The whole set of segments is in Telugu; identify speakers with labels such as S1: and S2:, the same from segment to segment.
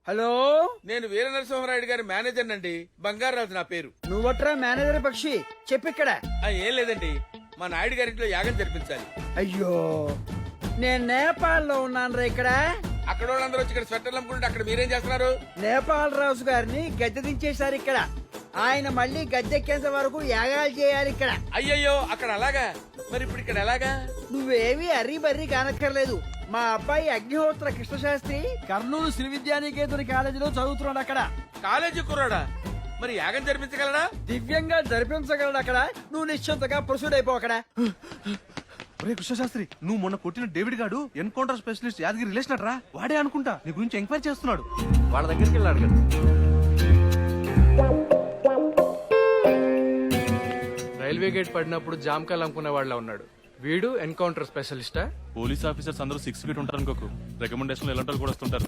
S1: హలో,
S2: నేను వీర నరసింహారాయుడు గారి మేనేజర్ నండి. బంగారాజు నా పేరు.
S1: నువ్వట్రా మేనేజర్ పక్షి, చెప్పిక్కడ.
S2: ఏం లేదండి, మా నాయుడు గారింట్లో యాగం జరిపించాలి.
S1: అయ్యో, నేను నేపాల్లో ఉన్నాను ఇక్కడ.
S2: అక్కడ వాళ్ళందరూ వచ్చి ఇక్కడ స్వెటర్లు అమ్ముకుంటే అక్కడ మీరేం చేస్తున్నారు?
S1: నేపాల్ రాజు గారిని గద్దె దించేశారు ఇక్కడ. ఆయన మళ్ళీ గద్దెక్కేంత వరకు యాగాలు చేయాలి ఇక్కడ.
S2: అయ్యయ్యో, అక్కడ అలాగా? మరి ఇప్పుడు ఇక్కడ ఎలాగా?
S1: నువ్వేవి అర్రీ బర్రీ కానక్కర్లేదు. మా అబ్బాయి అగ్నిహోత్ర కృష్ణశాస్త్రి కర్నూలు శ్రీ విద్యానికేతన్ కాలేజీలో చదువుతున్నాడు అక్కడ.
S2: కాలేజీ కుర్రాడా? మరి యాగం జరిపించగలడా?
S1: దివ్యంగా జరిపించగలడు అక్కడ. నువ్వు నిశ్చింతగా ప్రొసీడ్ అయిపో అక్కడ.
S3: ఒరే కృష్ణశాస్త్రి, నువ్వు మొన్న కొట్టిన డేవిడ్ గాడు ఎన్కౌంటర్ స్పెషలిస్ట్ యాదగిరి రిలేషన్ రా. వాడే అనుకుంటా నీ గురించి ఎంక్వైరీ చేస్తున్నాడు. వాళ్ళ దగ్గరికి వెళ్ళాడు కదా.
S4: రైల్వే గేట్ పడినప్పుడు జామకాయలు అమ్ముకునే వాళ్ళ ఉన్నాడు వీడు. ఎన్కౌంటర్ స్పెషలిస్టా?
S5: పోలీస్ ఆఫీసర్స్ అందరూ 6 ఫీట్ ఉంటారు అనుకోకు. రికమెండేషన్ ఎలాంటి కూడా వస్తుంటారు.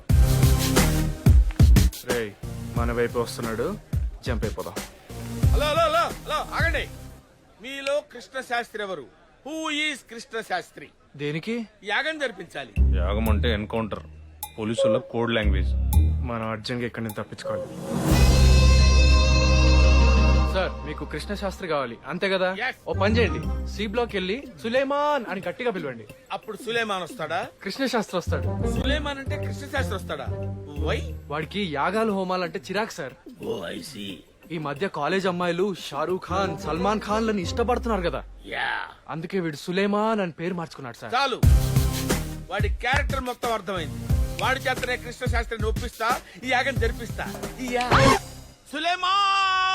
S4: రేయ్, మన వైపు వస్తున్నాడు, జంప్ అయిపోదాం.
S2: హలో హలో హలో హలో, ఆగండి. మీలో కృష్ణ శాస్త్రి ఎవరు? Who is Krishna Shastri?
S4: దేనికి?
S2: యాగం జరిపించాలి.
S5: యాగం అంటే ఎన్కౌంటర్, పోలీసుల కోడ్ లాంగ్వేజ్.
S4: మనం అర్జెంట్గా ఇక్కడి నుంచి తప్పించుకోవాలి. సార్, మీకు కృష్ణ శాస్త్రి కావాలి అంతే కదా?
S2: Yes.
S4: ఓ పని చేయండి, సి బ్లాక్ వెళ్ళి సులేమాన్ అని గట్టిగా పిలవండి.
S2: అప్పుడు సులేమాన్ వస్తాడా?
S4: కృష్ణ శాస్త్రి వస్తాడు.
S2: సులేమాన్ అంటే కృష్ణ శాస్త్రి వస్తాడా? వై?
S4: వాడికి యాగాలు హోమాలు అంటే చిరాకు సార్.
S2: Oh I see.
S4: ఈ మధ్య కాలేజ్ అమ్మాయిలు షారూక్ ఖాన్, సల్మాన్ ఖాన్ లని ఇష్టపడుతున్నారు కదా,
S2: యా.
S4: అందుకే వీడు సులేమాన్ అని పేరు మార్చుకున్నాడు సార్.
S2: చాలు, వాడి క్యారెక్టర్ మొత్తం అర్థమైంది. వాడి చేతనే కృష్ణ శాస్త్రిని ఒప్పిస్తా, ఈ యాగం జరిపిస్తా. ఈ సులేమాన్!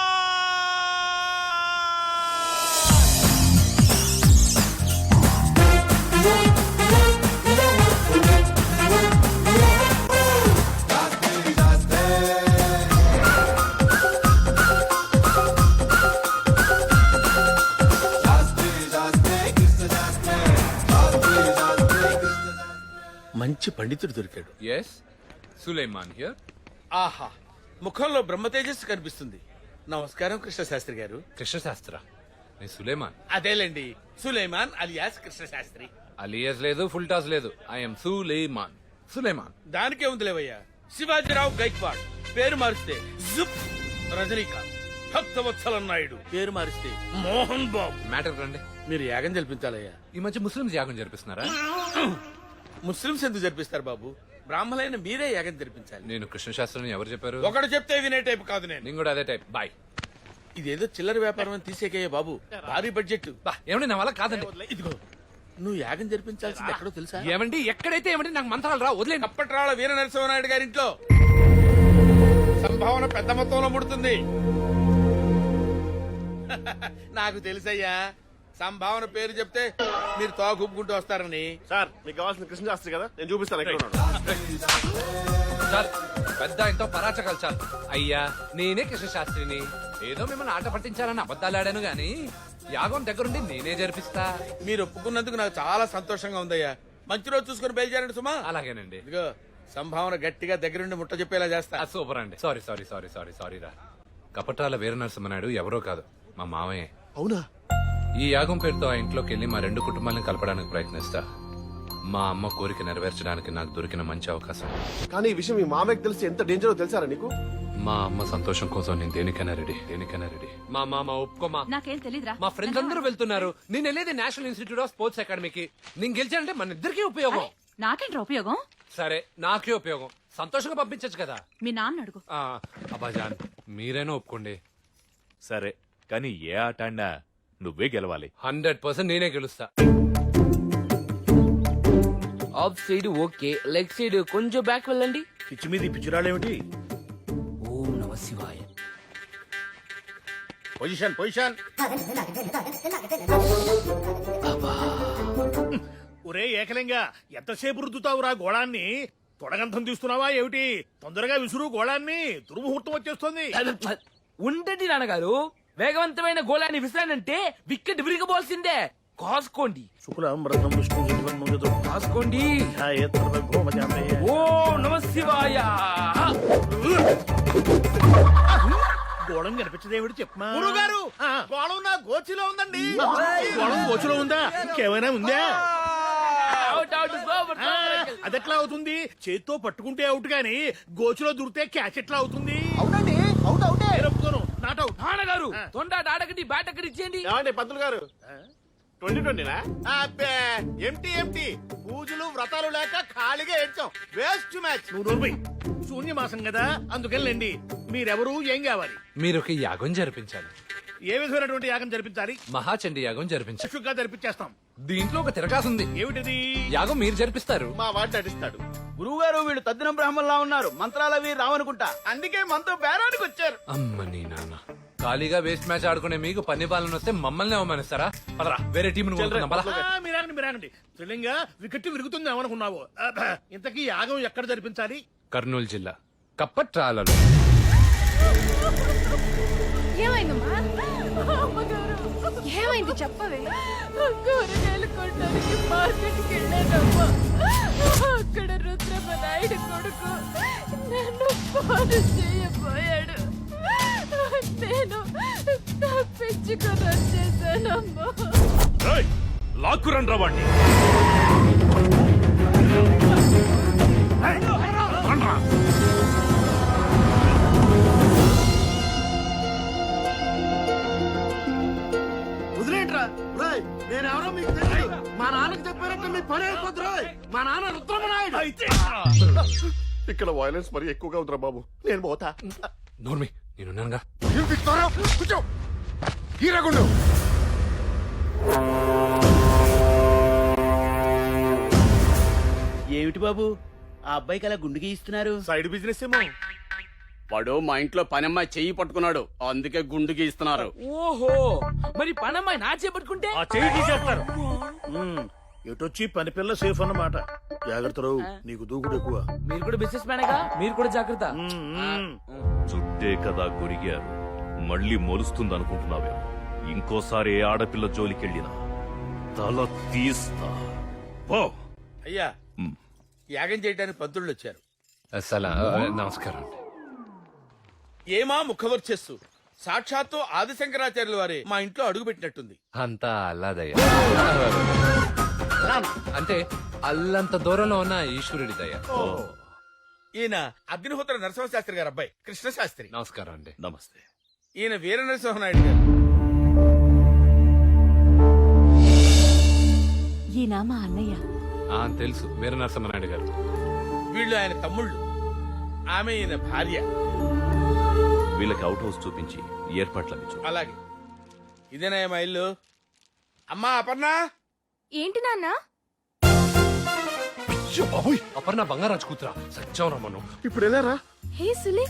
S2: మంచి పండితుడు దొరికాడు.
S6: Yes, Sulaiman here.
S2: ఆహా, ముఖంలో బ్రహ్మ తేజస్సు కనిపిస్తుంది. నమస్కారం కృష్ణ శాస్త్రి గారు.
S6: కృష్ణ శాస్త్ర, నేను సులేమాన్.
S2: అదేలేండి, సులేమాన్ అలియాస్ కృష్ణ శాస్త్రి.
S6: అలియస్ లేదు, ఫుల్ టాస్ లేదు. ఐఎమ్ సులేమాన్. సులేమాన్.
S2: దానికే ఉంది లేవయ్యా. శివాజీరావు గైక్వాడ్ పేరు మారిస్తే జుప్. రజనీకాంత్, భక్తవత్సల నాయుడు పేరు మారిస్తే మోహన్ బాబు.
S6: మ్యాటర్ రండి.
S2: మీరు యాగం జరిపించాలయ్యా.
S6: ఈ మధ్య ముస్లింస్ యాగం జరిపిస్తున్నారా?
S2: ముస్లింస్ ఎందుకు జరిపిస్తారు బాబు? బ్రాహ్మణులైన మీరే యాగం జరిపించాలి.
S6: నేను కృష్ణ శాస్త్రిని ఎవరు చెప్పారు?
S2: ఒకడు చెప్తే వినే టైప్ కాదు నేను.
S6: నేను కూడా అదే టైప్. బాయ్.
S2: ఇదేదో చిల్లర వ్యాపారం అని తీసేకయ్యా బాబు. భారీ బడ్జెట్.
S6: ఏమండి, నా వల్ల కాదండి.
S2: ఇదిగో, నువ్వు యాగం జరిపించాల్సింది ఎక్కడో తెలుసా?
S6: ఏమండి, ఎక్కడైతే ఏమండి, నాకు మంత్రాలు రా, వదిలేండి.
S2: అప్పట్రాళ్ళ వీర నరసింహనాయుడు గారింట్లో సంభావన పెద్ద మొత్తంలో ముడుతుంది. నాకు తెలుసయ్యా, సంభావన పేరు చెప్తే మీరు తోగుపుకుంటూ వస్తారని.
S3: సార్, మీకు కావాల్సిన కృష్ణశాస్త్రి కదా, నేను చూపిస్తాను ఎక్కడ ఉన్నాడు.
S6: చాలు, పెద్ద ఎంతో పరాచకాలు చాలు. అయ్యా, నేనే కృష్ణ శాస్త్రిని. ఏదో మిమ్మల్ని ఆట పట్టించాలని అబద్ధాలు ఆడాను గాని యాగం దగ్గరుండి నేనే జరిపిస్తా.
S2: మీరు ఒప్పుకున్నందుకు నాకు చాలా సంతోషంగా ఉందయ్యా. మంచి రోజు చూసుకుని బయలుదేరండి సుమా.
S6: అలాగేనండి.
S2: ఇదిగో, సంభావన గట్టిగా దగ్గరుండి ముట్ట చెప్పేలా చేస్తా.
S6: సూపర్ అండి. Sorry sorry sorry sorry sorry రా. కపట్రాల వీర నరసింహనాయుడు ఎవరో కాదు, మా మామయ్య.
S3: అవునా?
S6: ఈ యాగం పేరుతో ఆ ఇంట్లోకి వెళ్లి మా 2 కుటుంబాలను కలపడానికి ప్రయత్నిస్తా. మా అమ్మ కోరిక నెరవేర్చడానికి నాకు దొరికిన మంచి అవకాశం.
S3: కానీ ఈ విషయం మీ మామయ్యకి తెలిసి ఎంత డేంజరో తెలుసారా నీకు?
S6: మా అమ్మ సంతోషం కోసం నేను దేనికైనా రెడీ. మా మామ ఒప్పుకోమా?
S7: నాకేం తెలీదురా.
S6: మా ఫ్రెండ్స్ అందరూ వెళ్తున్నారు, నేను వెళ్ళేది నేషనల్ ఇన్స్టిట్యూట్ ఆఫ్ స్పోర్ట్స్ అకాడమీకి. నేను గెలిచానంటే మన ఇద్దరికీ ఉపయోగం.
S7: నాకేంట్రా ఉపయోగం?
S6: సరే, నాకే ఉపయోగం. సంతోషంగా పంపించచ్చు కదా.
S7: మీ నాన్న అడుగు.
S6: అబ్బాజాన్, మీరైనా ఒప్పుకోండి.
S5: సరే, కానీ ఏ ఆట ఆడినా నువ్వే గెలవాలి.
S6: 100% నేనే గెలుస్తా.
S8: Off side okay, leg side కొంచెం బ్యాక్ వెళ్ళండి.
S2: పిచ్చి మీద పిచ్చిరాడేమిటి?
S8: ఓం నమ శివాయ.
S2: Position position.
S9: ఒరే ఏకలింగా, ఎంతసేపు రుద్దుతావురా గోళాన్ని? తొడగంతం తీస్తున్నావా ఏమిటి? తొందరగా విసురు గోళాన్ని, దుర్ముహూర్తం వచ్చేస్తుంది.
S8: ఉండండి నాన్నగారు, వేగవంతమైన గోళాన్ని విసిరానంటే వికెట్ విరిగబోల్సిందే. కాసుకోండి.
S9: శుక్లాంబరధరం విష్ణు శశివర్ణం
S8: కాసుకోండి.
S9: ఛాయేతర గోమజామే.
S8: ఓం నమ శివాయ.
S9: గోళం కనిపించదేమిటి చెప్పమా? గురుగారు, గోళం నా గోచిలో ఉందండి. గోళం గోచిలో ఉందా? ఇంకేమైనా ఉందా? అదెట్లా అవుతుంది? చేత్తో పట్టుకుంటే అవుట్ గాని గోచులో దూరితే క్యాచ్ ఎట్లా అవుతుంది?
S1: అవునండి అవుట్ అవుటే.
S9: నేను ఒప్పుకోను. Not out.
S8: నాన్నగారు తొండాట ఆడకండి బ్యాట్ అక్కడ ఇచ్చేయండి.
S7: ఏమండి పంతులు గారు 2020నా అబ్బే ఎంటీ పూజలు వ్రతాలు లేక ఖాళీగా ఏడ్చాం వేస్ట్ మ్యాచ్.
S9: నువ్వు నోర్మై. శూన్యమాసం కదా అందుకెళ్ళండి. మీరెవరు, ఏం కావాలి?
S6: మీరు ఒక యాగం జరిపించాలి.
S9: ఏ విధమైనటువంటి యాగం జరిపించాలి?
S6: మహాచండి యాగం జరిపించాలి.
S9: చక్షుగా జరిపించేస్తాం.
S6: దీంట్లో ఒక తిరగాసుంది.
S9: ఏమిటిది?
S6: యాగం మీరు జరిపిస్తారు.
S7: మా వాడు నటిస్తాడు.
S1: గురువు గారు వీళ్ళు తద్దినం బ్రాహ్మణులా ఉన్నారు, మంత్రాలవి రావనుకుంటా, అందుకే మనతో బేరానికి వచ్చారు.
S6: అమ్మ నీ నాన్న ఖాళీగా వేస్ట్ మ్యాచ్ ఆడుకునే మీకు పన్ని బాలను వస్తే మమ్మల్ని అవమానిస్తారా? పదరా వేరే టీం
S9: మీరాగండి. త్రిలింగా వికెట్ విరుగుతుంది ఏమనుకున్నావు? ఇంతకీ యాగం ఎక్కడ జరిపించాలి?
S6: కర్నూలు జిల్లా కప్పట్రాలలో.
S10: ఏమైందమ్మా? ఏమైంది చెప్పవే? కూరగాయలు కొనడానికి మార్కెట్కి వెళ్ళానమ్మా. అక్కడ రుద్రమ్మ నాయుడు కొడుకు నన్ను ఫోన్ చేయబోయాడు. నేను తప్పించుకొని వచ్చేసానమ్మా.
S5: లాక్కురండి రావండి.
S1: వదిలేంట్రా. నేనెవరో మీకు తెలియదు. మా నాన్నకి చెప్పారంటే మీ పని అయిపోతురా. మా నాన్న రుద్రమనాయుడు.
S7: ఇక్కడ వైలెన్స్ మరి ఎక్కువగా ఉందిరా బాబు. నేను పోతా.
S6: నోర్మి నేనున్నానుగా.
S7: కూర్చో. హీరాగుండు.
S1: ఏమిటి బాబు ఆ అబ్బాయికి అలా గుండుకి ఇస్తున్నారు?
S7: సైడ్ బిజినెస్ ఏమో.
S11: వాడు మా ఇంట్లో పనమ్మాయి చెయ్యి పట్టుకున్నాడు, అందుకే గుండు గీస్తున్నారు.
S8: ఓహో మరి పనమ్మాయి నా చేపట్టుకుంటే
S9: ఆ చెయ్యి తీసేస్తారు. ఎటొచ్చి పని పిల్ల సేఫ్ అన్నమాట. జాగ్రత్త రావు, నీకు దూకుడు ఎక్కువ.
S8: మీరు కూడా బిజినెస్ మ్యానేగా, మీరు కూడా జాగ్రత్త.
S5: చుట్టే కదా గొరిగారు, మళ్ళీ మొలుస్తుందనుకుంటున్నావేమో. ఇంకోసారి ఏ ఆడపిల్ల జోలికెళ్ళినా తల తీస్తా. పో.
S2: అయ్యా యాగం చేయడానికి పంతుళ్ళు వచ్చారు.
S6: నమస్కారం.
S2: ఏమా ముఖవర్చస్సు, సాక్షాత్తు ఆదిశంకరాచార్యుల వారే మా ఇంట్లో అడుగు పెట్టినట్టుంది.
S6: అంతా అల్లాదయ్య. అంటే అల్లంత దూరంలో ఉన్న ఈశ్వరుడి దయ.
S2: ఈయన అగ్నిహోత్ర నరసింహశాస్త్రి గారు అబ్బాయి కృష్ణశాస్త్రి.
S6: నమస్కారం అండి.
S5: నమస్తే.
S2: ఈయన వీర నరసింహనాయుడు గారు.
S10: ఈయన మా అన్నయ్య.
S6: తెలుసు, వీర నరసింహనాయుడు గారు.
S2: వీళ్ళు ఆయన తమ్ముళ్ళు, ఆమె ఈయన భార్య.
S5: వీళ్ళకి అవుట్ హౌస్ చూపించి ఏర్పాట్లవి చూ.
S2: అలాగే ఇదేనా మా ఇల్లు? అమ్మా అపర్ణ.
S10: ఏంటి నాన్న?
S6: అపర్ణ బంగారాజు కూతురా, సత్యం రమ్మను.
S7: ఇప్పుడు వెళ్ళారా?
S10: హే సులే.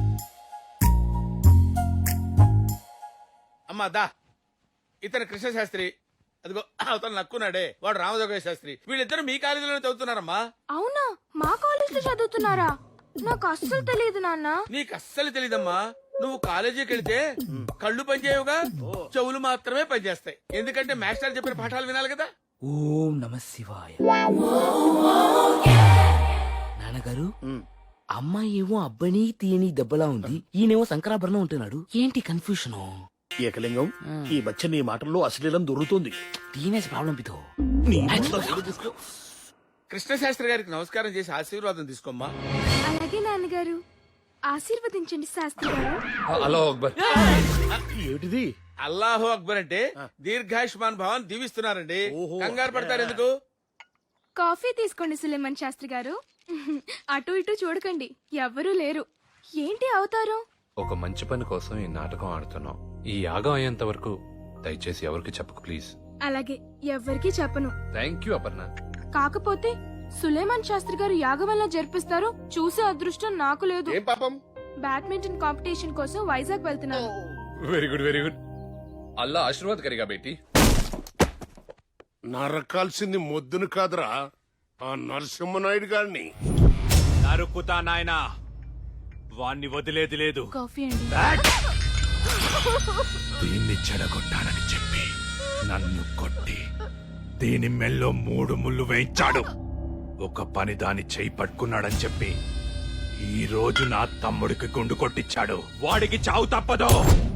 S2: అమ్మా దా. ఇతను కృష్ణశాస్త్రి, అదిగో అతను నక్కున్నాడే వాడు రామజోగయ్య శాస్త్రి. వీళ్ళిద్దరు మీ కాలేజీలోనే చదువుతున్నారమ్మా.
S10: అవునా? మా కాలేజ్ లో చదువుతున్నారా? నాకు అస్సలు తెలియదు నాన్న.
S2: నీకు అస్సలు తెలీదమ్మా. నువ్వు కాలేజీకి వెళ్తే కళ్ళు పనిచేయవుగా, చెవులు మాత్రమే పనిచేస్తాయి. ఎందుకంటే మాస్టర్ చెప్పిన పాఠాలు వినాలి కదా.
S8: ఓం నమ శివాయ. నాన్నగారు అమ్మాయి ఏమో అబ్బాయిని తీయని దెబ్బలా ఉంది, ఈయనేమో శంకరాభరణం ఉంటున్నాడు. ఏంటి కన్ఫ్యూషన్?
S9: ఏకలింగం, ఈ మధ్య నీ మాటల్లో అశ్లీలం దొరుకుతుంది.
S8: Teenage problem పితో.
S2: కృష్ణశాస్త్రి గారికి నమస్కారం చేసి ఆశీర్వాదం తీసుకోమ్మా.
S10: అలాగే నాన్నగారు. ఆశీర్వదించండి శాస్త్రి గారు.
S6: హలో అక్బర్.
S9: ఏమిటిది?
S2: అల్లాహు అక్బర్ అంటే దీర్ఘాయుష్మాన్ భవన్ దీవిస్తున్నారండి. కంగారు పడతారు ఎందుకు?
S10: కాఫీ తీసుకోండి సులేమన్ శాస్త్రి గారు. అటు ఇటు చూడకండి, ఎవ్వరూ లేరు. ఏంటి అవతారం?
S6: ఒక మంచి పని కోసం ఈ నాటకం ఆడుతున్నాం. ఈ యాగం అయ్యేంత వరకు దయచేసి ఎవరికి చెప్పకు ప్లీజ్.
S10: అలాగే, ఎవ్వరికీ చెప్పను.
S6: Thank you Aparna.
S10: కాకపోతే సులేమాన్ శాస్త్రి గారు యాగం వల్ల జరిపిస్తారు, చూసే అదృష్టం నాకు లేదు.
S7: ఏం పాపం?
S10: బ్యాడ్మింటన్ కాంపిటీషన్ కోసం వైజాగ్ వెళ్తున్నాను.
S6: Very good very good. అల్లా ఆశీర్వాద్ కరిగా బేటీ.
S7: నరకాల్సింది మొద్దును కాదురా, ఆ నరసింహనాయుడు గారిని.
S5: నరుకుతా నాయనా, వాణ్ణి వదిలేది లేదు.
S10: కాఫీ అండి.
S5: దీన్ని చెడగొట్టాలని చెప్పి నన్ను కొట్టి దీని మెల్లో 3 ముళ్ళు వేయించాడు. ఒక పని దాని చేయి పట్టుకున్నాడని చెప్పి ఈ రోజు నా తమ్ముడికి గుండు కొట్టించాడు. వాడికి చావు తప్పదు.